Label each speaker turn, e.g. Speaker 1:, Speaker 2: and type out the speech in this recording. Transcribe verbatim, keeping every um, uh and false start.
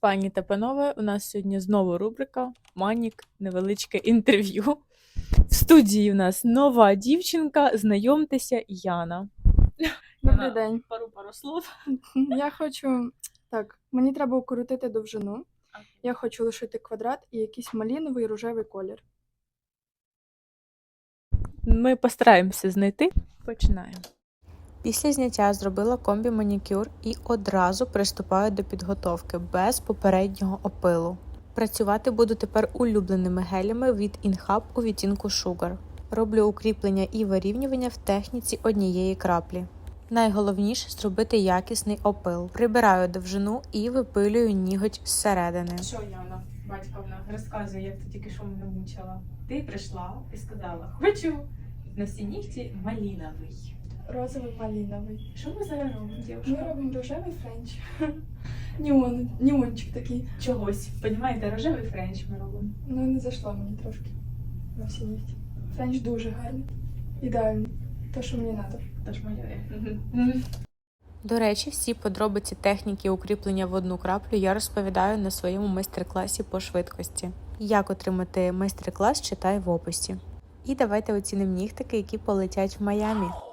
Speaker 1: Пані та панове, у нас сьогодні знову рубрика Манік невеличке інтерв'ю. В студії у нас нова дівчинка, знайомтеся, Яна.
Speaker 2: Добрий
Speaker 1: Яна,
Speaker 2: день.
Speaker 1: Пару пару слов.
Speaker 2: Я хочу. Так, мені треба укоротити довжину. Я хочу лишити квадрат і якийсь маліновий рожевий колір.
Speaker 1: Ми постараємося знайти. Починаємо. Після зняття зробила комбі-манікюр і одразу приступаю до підготовки без попереднього опилу. Працювати буду тепер улюбленими гелями від Inhub у відтінку Sugar. Роблю укріплення і вирівнювання в техніці однієї краплі. Найголовніше зробити якісний опил. Прибираю довжину і випилюю ніготь зсередини. Що, Яна, батьковна, розказує, як ти тільки що мене мучила. Ти прийшла і сказала, хочу на всі нігті маліновий.
Speaker 2: Розовий маліновий.
Speaker 1: Що ми зараз робимо,
Speaker 2: Ми
Speaker 1: дівчинка?
Speaker 2: робимо рожевий френч. Ніон, ніончик такий.
Speaker 1: Чогось. Понімаєте, рожевий френч ми робимо.
Speaker 2: Ну не зайшло мені трошки на всі нігті. Френч дуже гарний. Ідеальний. Те, що мені треба.
Speaker 1: Тож малює. До речі, всі подробиці техніки укріплення в одну краплю я розповідаю на своєму майстер-класі по швидкості. Як отримати майстер-клас, читай в описі. І давайте оцінимо нігтики, які полетять в Майамі.